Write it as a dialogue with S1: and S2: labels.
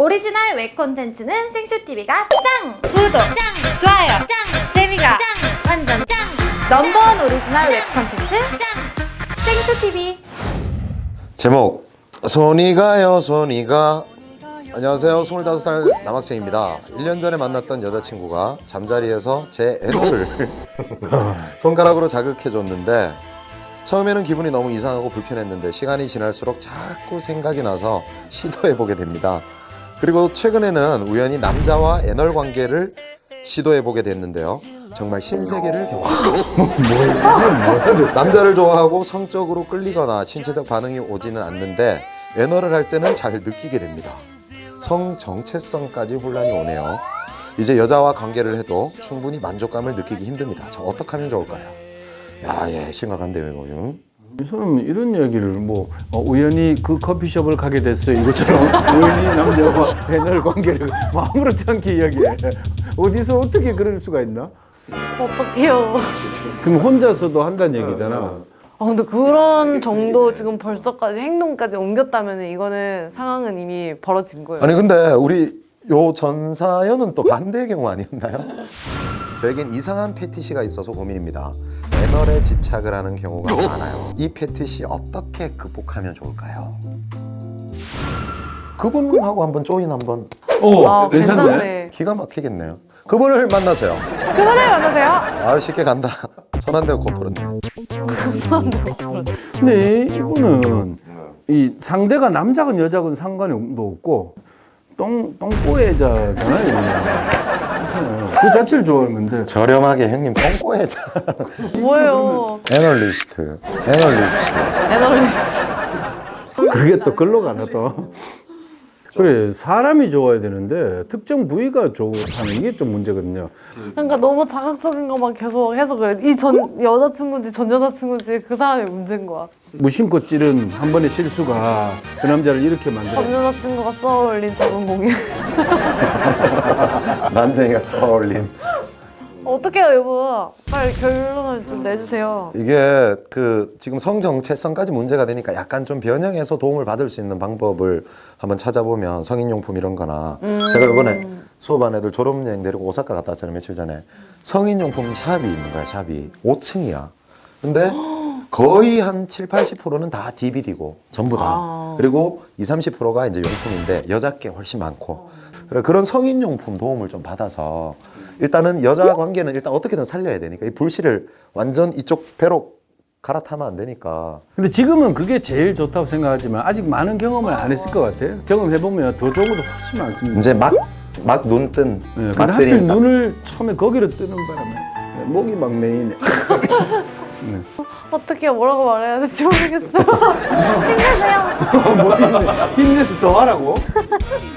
S1: 오리지널 웹 콘텐츠는 생쇼TV가 짱! 구독 짱! 좋아요 짱! 재미가 짱! 완전 짱! 넘버원 오리지널 웹 콘텐츠 짱! 생쇼TV.
S2: 제목 손이 가요 손이 가. 안녕하세요, 25살 남학생입니다. 1년 전에 만났던 여자친구가 잠자리에서 제 애너를 손가락으로 자극해줬는데 처음에는 기분이 너무 이상하고 불편했는데 시간이 지날수록 자꾸 생각이 나서 시도해보게 됩니다. 그리고 최근에는 우연히 남자와 애널 관계를 시도해보게 됐는데요. 정말 신세계를 경험했어요. 남자를 좋아하고 성적으로 끌리거나 신체적 반응이 오지는 않는데 애널을 할 때는 잘 느끼게 됩니다. 성 정체성까지 혼란이 오네요. 이제 여자와 관계를 해도 충분히 만족감을 느끼기 힘듭니다. 저 어떻게 하면 좋을까요? 야, 예, 심각한데요, 이거. 응?
S3: 저는 이런 얘기를 우연히 그 커피숍을 가게 됐어요 이것처럼 우연히 남자와 애널 관계를 아무렇지 않게 이야기해. 어디서 어떻게 그럴 수가 있나?
S4: 어떡해요.
S3: 그럼 혼자서도 한다는 얘기잖아.
S4: 근데 그런 정도 지금 벌써까지 행동까지 옮겼다면 이거는 상황은 이미 벌어진 거예요.
S2: 아니 근데 우리 요 전 사연은 또 반대의 경우 아니었나요? 저에겐 이상한 패티시가 있어서 고민입니다. 애널에 집착을 하는 경우가 많아요. 이 패티시 어떻게 극복하면 좋을까요? 그분하고 한번 조인 한번.
S3: 괜찮네.
S2: 기가 막히겠네요. 그분을 만나세요.
S4: 그분을 만나세요?
S2: 아, 쉽게 간다. 손 안 대고 코풀었네.
S3: 근데 이분은 이 상대가 남자건 여자건 상관이 없고 똥꼬애자잖아요. 그 자체를 좋아하는 건데.
S2: 저렴하게 형님 똥꼬해자.
S4: 뭐예요?
S2: 애널리스트.
S4: 애널리스트.
S3: 그게 또 글로 가나 또. 그래, 사람이 좋아야 되는데 특정 부위가 좋다는 이게 좀 문제거든요.
S4: 그러니까 너무 자극적인 것만 계속 해서 그래. 이 전 여자친구인지 전 여자친구인지 그 사람이 문제인 거야.
S3: 무심코 찌른 한 번의 실수가 그 남자를 이렇게 만들어.
S4: 전 여자친구가 쏘아올린 작은 공연.
S2: 난쟁이가 쏘아올린.
S4: 어떡해요 여보. 빨리 결론을 좀 내주세요.
S2: 이게 그 지금 성정체성까지 문제가 되니까 약간 좀 변형해서 도움을 받을 수 있는 방법을 한번 찾아보면 성인용품 이런 거나 제가 이번에 수업반 애들 졸업여행 데리고 오사카 갔다 왔잖아요, 며칠 전에. 성인용품 샵이 있는 거야. 샵이 5층이야 근데 거의 한 70-80%는 다 DVD고 전부 다. 그리고 20-30%가 이제 용품인데 여자 게 훨씬 많고. 그래, 그런 성인용품 도움을 좀 받아서 일단은 여자 관계는 일단 어떻게든 살려야 되니까 이 불씨를 완전 이쪽 배로 갈아타면 안 되니까.
S3: 근데 지금은 그게 제일 좋다고 생각하지만 아직 많은 경험을 안 했을 것 같아요. 경험해보면 더 좋은 것도 훨씬 많습니다.
S2: 이제 막 눈 뜬.
S3: 네, 근데 하필 눈을 처음에 거기로 뜨는 바람에 목이 막 메이네.
S4: 어떻게 뭐라고 말해야 될지 모르겠어요. 힘내세요.
S3: 힘내서 더 하라고?